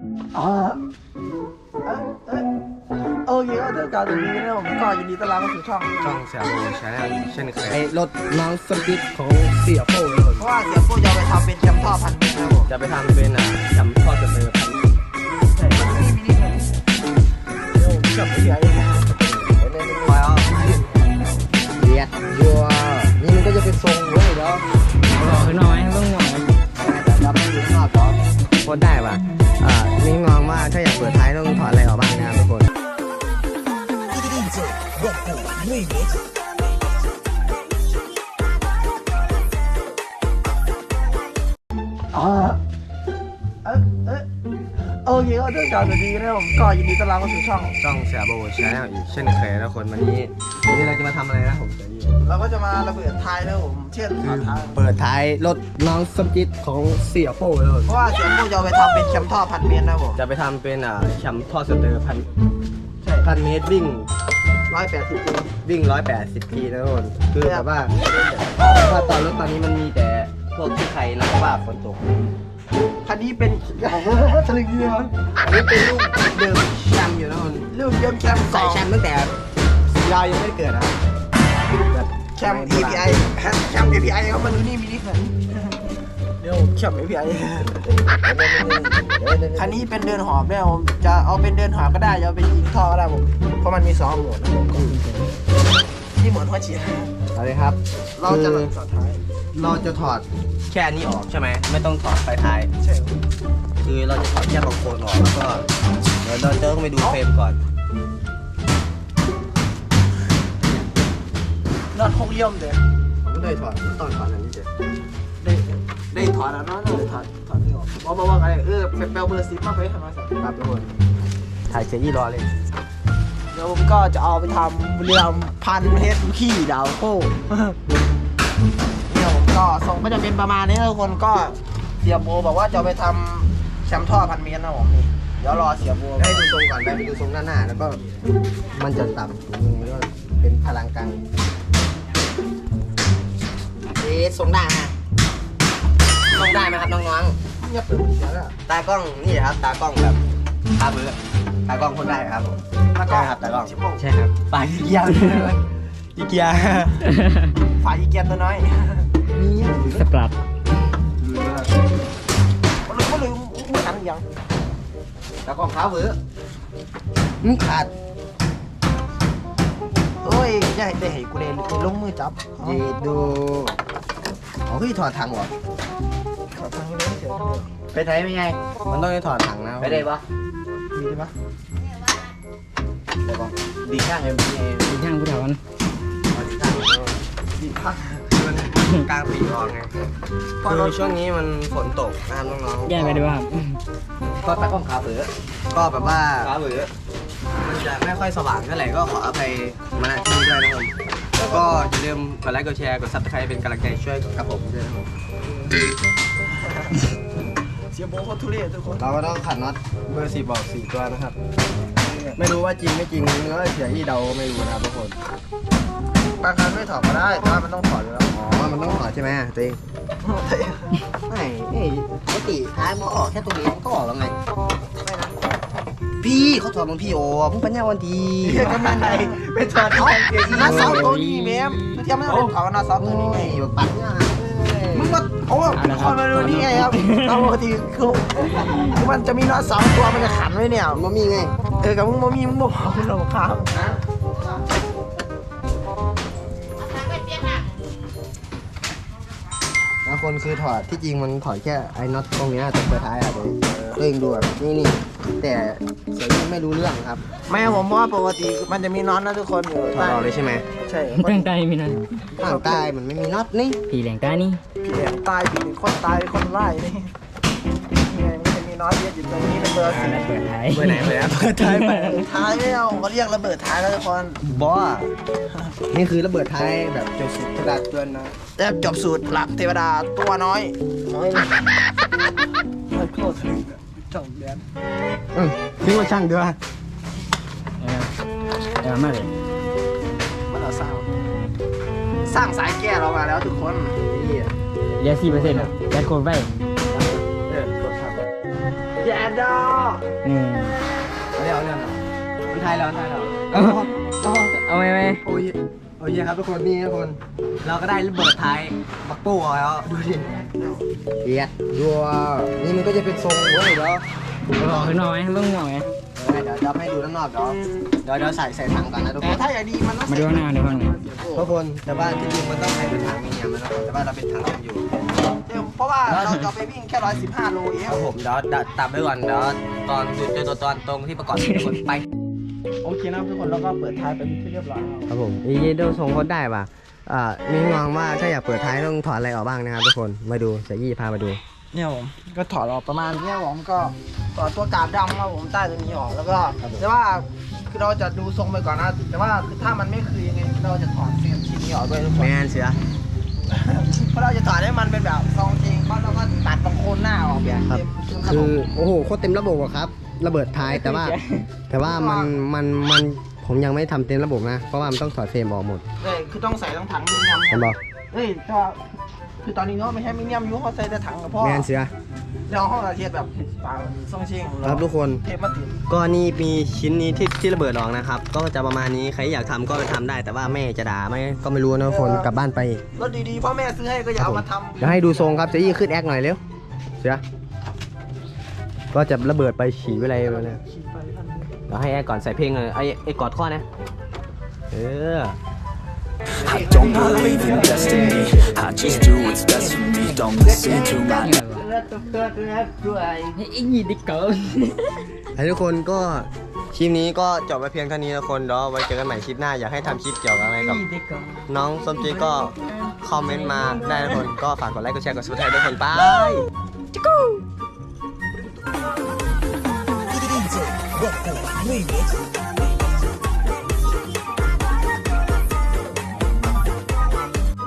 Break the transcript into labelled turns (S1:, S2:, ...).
S1: อ๋อโอเคก็เรื่องการตรงนี้นะผมก็ยินดีต้อนรับเข้าสู่ช่อง
S2: เสียโบชาแนลเช่นเคย
S3: ไอ้รถน้องสปิดของเสียโป้เลย
S1: เพราะว่าเดี๋ยวพวกจะไปทำเป็นแชมป์ท่อพันเมตรนะผม
S2: จะไปทำเป็นแชมป์ทอดสเตอร์พัน
S1: ใช่มินิเลยเดี๋ยวผมจับไปใหญ่ไปเอา
S3: เดียดยัวนี่มันก็จะเป็นทรงเว้ยเนาะ
S4: บอกขึ้นน้อยต้องหน่อย
S3: แต่ดับไม่อยู่ข้างนอกก่อนโคตรได้ป่ะนี่งองว่าถ้าอยากเปิดท้ายต้องถอดอะไรออกบ้างนะครับทุกคน
S1: อ๋อโอเคก็เรื่องการตรงนี้นะผมก็ยินดีต้อนรับเข้าสู่ช่อง
S2: เสียโบชาแนลอีกเช่นเคยนะคนวันนี้เราจะมาทำอะไรนะผมจะยี่
S1: เราก็จะมาระเบิดท้ายนะผมเช่นฝาท้าย
S3: เปิดท้ายรถน้องสปิดของเสียโป้เลย
S1: เพราะว่าเสียงพวกจะไปทำเป็นแชมป์ท่อพันเมตรนะผม
S2: จะไปทำเป็นแชมป์ทอดสเตอร์พัน
S1: ใช่
S2: พันเมตรวิ่ง
S1: 180 กิโล
S2: วิ่ง180 ทีนะทุกคนคือแบบว่าถ้าตอนรถตอนนี้มันมีแต่พวกที่ใครนะว่าฝนตก
S1: คันนี้เป็น สลึงเดียว
S2: อันนี้เป็นลูกเดิมแชมป์อยู่นะทุกคน
S1: ลูกเยี่ยมแชมป์
S2: ใส่แชมป์ตั้งแต่สีดาวยังไม่ได้เกิดนะครับแบบ
S1: แชมป์ API แชมป์ API เขามาดูนี่มินิคันเดี๋ยวแชมป์ API คันนี้เป็นเดินหอบเนี่ยผมจะเอาเป็นเดินหอบก็ได้จะเอาเป็นยิงท่อก็ได้ผมเพราะมันมี2โหมดนะผมที่โหมดหัวเฉียด
S2: เอาเลยครับ
S1: เราจะหลังต่อท้าย
S2: เราจะถอดแค่นี้ออกใช่ไหมไม่ต้องถอดไฟท้าย
S1: ใช่
S2: คือเราจะถอดแค่บางโคนออกแล้วก็เดี๋ยวเราจะต้องไปดูเฟรมก่อน
S1: น็อต6 เลี่ยมเด้อ
S2: ผมก็ได้ถอดตอนถอดอันนี้เสร็จ
S1: ได้ถอดแล้วเนาะถอดที่ออกบอกว่าอะไรแปลเบอร์10มาไปทำมาสัก
S2: ครับทุกคนถ่ายเจยี่รอเลย
S1: เดี๋ยวผมก็จะเอาไปทำบุรีรัมย์พันเฮดขี้ดาวโก้เนี่ยผมก็ส่งก็จะเป็นประมาณนี้นะทุกคนก็เสียโบบอกว่าจะเอาไปทำแชมป์ท่อพันเมตรนะผมนี่เดี๋ยวรอเสียโบ
S3: ให้ดูทรงก่อนไปดูทรงด้านหน้าแล้วก็มันจะต่ำสูงยังไงก็เป็นพลังกลางทรงได้ฮะทรงได้ไหมครับน้อง
S1: เงียบเลยเสียแล้ว
S3: ๆตากล้องนี่ครับตากล้องแบบตาเบือตากล้องคนได้ครับผม
S1: แล้วก็
S3: ใช่ครับตากล้อง
S1: ชิปโป้
S4: ใช่ครับ
S2: ฝ่ายอีเกียอีเกีย
S1: ฝ่ายอีเกียนตัวน้อย
S4: สปรัด
S1: มันลืมไม่ทันยัง
S3: ตากล้องขาวเบือขาด
S1: เอ้ยอย่าให้ได้ให้กูเลยลงมือจับ
S3: เยดูอ๋อพี่ถอดถังเหรอ
S1: ขอทางนี้เลยเสีย
S3: ไปไหนเป็นไงมันต้องได้ถอดถังนะ
S2: ไปได้ปะ
S1: มีใช่ปะ
S3: ได้ปะดีข้างเอ็มพีเอ
S4: เป็นช่างผู้เฒ่ามัน
S3: ดีข้าง
S1: ดีพัก
S2: มันกลางปีออกไงคือช่วงนี้มันฝนตกนะครับน้องๆ
S4: แย่ไปด้วยครับ
S3: ก็ตากล้องขาวเบือก็แบบว่า
S2: ขาเบือมันจะไม่ค่อยสว่างเท่าไหร่ก็ขออภัยมาณที่นี้ด้วยนะครับแล้วก็อย่าลืมกดไลค์กดแชร์กดซับสไครป์เป็นกำลังใจช่วยกับผมด้วยนะครับ
S1: เสียโบโคตรทุเรศทุกคน
S3: เราก็ต้องขัดน็อตเบอร์4บอก4ตัวนะครับ ไม่รู้ว่าจริงไม่จริงเนื้อเสียที่เดาไม่รู้นะครับทุกคน
S1: บางครั้งไม่ถอดก็ได้แต่ว่ามันต้องถอดอยู่แล้ว
S3: อ๋อมันต้องถอดใช่ไหมตัวเองไม่ปกติท้ายมันก็ออกแค่ตรงนี้มันก็ออกแล้วไง
S1: ไม่นะ
S3: พี่เขาถอดบางพี่โอ้มึงปัญญาวันดี
S1: เรียกกันมาไหนไปถอดเขาหน้าซอฟตัวนี้แม่เทียบไม่ต้องเป็นเขาหน้าซอฟตัวนี้ไง
S3: แบบปัญญา
S1: มึงมาโอ้คนมาดูนี่ไงครับตามปกติคือมันจะมีน็อตสองตัวมันจะขันไว้เนี่ย
S3: มันมีไง
S1: กับมึงบ่มีมึงบอกคุณหลงข้าว
S3: บางคนคือถอดที่จริงมันถอดแค่ไอ้น็อตตรงเนี้ยตรงปลายท้ายอะตัวเองดูแบบนี่แต่เสียงไม่รู้เรื่องครับ
S1: ไม่ผมว่าปกติมันจะมีน็อตนะทุกคนอยู่
S2: ถอดออกเลยใช่ไหม
S1: ใช่
S4: ตั้งใจมีนะ
S3: ข้างใต้มันไม่มีน็อตนี่
S4: ผีแหลงใต้นี่
S1: ผีตายผีคนตายคนไล่นี่ไงมันจะมีน็อตเยอะอยู่ตรงนี้เป็นเบอร์สี่
S4: เปิดท้าย
S2: เบอร์ไหนเบอร์ไหนเปิดท้ายไป
S1: ท้ายไม่เอาเขาเรียกระเบิดท้ายแล้วทุกคน
S2: บอส
S3: นี่คือระเบิดท้ายแบบเจ้าสุดกระดาษเตือนนะ
S1: แต่จบสูตรหลักเทวดาตัวน้อยน้อยเลยโคตรถึงจ่องแดน
S3: คิดว่าช่างเดือ
S4: มากเลย
S1: มันเราสร้างสายแก้เรามาแล้วทุกคน
S3: นี่
S4: เหลือ4%อ่ะแบตโคตรไว้
S1: กดครับโอเคแย่ดอ
S4: นี่
S2: เรื่องมันไทยแล้วมันไทยแล้ว
S4: เอาไหม
S3: โอ้ยโอ้ยครับทุกคนนี่ทุกคน
S2: เราก็ได้ระเบิดไทยบักปูออกแล้วดูดิ
S3: เอียดดัวนี่มันก็จะเป็นทรงเว้ยเดี๋ยว
S4: เอาออกข้างนอกไหมต้องหน่อยไหม
S3: เดี๋ยวจะให้ดูด้านนอกเดี๋ยวใส่ถังก่อนนะทุก
S1: แต่
S3: คน
S1: ถ้าอยากดีมันต้อง
S4: มาดูข้างหน้าเดี๋ยวข้างหน้า
S3: ทุกคนแต่ว่าที่จริงมันต้องให้เป็นถังมีเนียมนะแต่ว่าเราเป็นถังกันอยู่
S1: เพราะว่าเราจะไปวิ่งแค่115 โลเอง
S2: ครับผมเดี๋ยวตามไปก่อนเดี๋ยวตอนเจอตัวตอนตรงที่ประกอบทุกคนไป
S1: โอเคนะทุกคนแล้วก็เปิดท้ายไปที่เรียบร้อยแล้ว
S3: ครับผมอีเยโดทรงโคตรได้ป่ะมีมองว่าถ้าอยากเปิดท้ายต้องถอดอะไรออกบ้างนะครับทุกคนมาดูเสียยี่พามาดู
S1: เนี่ยผมก็ถอดออกประมาณเนี่ยผมก็ถอดตัวกาบดำครับผมใต้ตัวนี้ออกแล้วก็แต่ว่าคือเราจะดูทรงไปก่อนนะแต่ว่าคือถ้ามันไม่คือยังไงเราจะถอดเฟรมชิ้นนี้ออกด้วยทุกคน
S3: แมนเสือ
S1: เพราะเราจะถอดให้มันเป็นแบบซองจริงเพราะเราก็ตัดบางโคนหน้าออกแบบ
S3: ครับ
S1: เต็ม
S3: คือโอ้โหโคตรเต็มระบบอะครับ ระเบิดท้ายแต่ว่ามันผมยังไม่ทำเต็มระบบนะเพราะว่ามันต้องถอดเฟรมออกหมด
S1: เลยคือต้องใส่ทั้งถังมิเนียม
S3: เห็นบอก
S1: เฮ้ยแต่ว่าคือตอนนี้เนาะไม่ใช่มิเนียมอยูเขาใส่แต่ถังกับพ่อ
S3: แมนเสือ
S1: เดี๋ยวห้องเราเทียบแบบปางซองเชิง
S3: ครับทุกคน
S1: เทปมาติด
S3: ก็นี่มีชิ้นนี้ที่ระเบิดออกนะครับ ก็จะประมาณนี้ใครอยากทำก็ไปทำได้ แต่ว่าแม่จะด่าไหมก็ไม่รู้นะทุกคนกลับบ้านไป
S1: รถดีๆพ่อแม่ซื้อให้ก็อย่าเอามาทำ
S3: เดี๋ยวให้ดูทรงครับเจะยี่ขึ้นแอคหน่อยเร็วเสือก็จะระเบิดไปฉี่ไปอะไรไปเนี่ย
S1: ขี่ไปทันที
S3: เดี๋ยวให้แอคก่อนใส่เพลงเลยไอ้กอดข้อนะเออ
S5: I don't believe in destiny. I just do what's best for me. Don't listen to my
S4: นี่อะไรวะ
S1: เลือดตัวด้วย
S4: ไอ้ยี่ดิเกิร์
S3: ให้ทุกคนก็คลิปนี้ก็จบไปเพียงเท่านี้ทุกคนเดี๋ยวไว้เจอกันใหม่คลิปหน้าอยากให้ทำคลิปเกี่ยวกับอะไรกับ
S4: ยี่ดิเกิร์
S3: น้องส้มจีก็คอมเมนต์มาได้ทุกคนก็ฝากกดไลค์กดแชร์กดซับสไครต์ทุกคนไป
S5: DJ.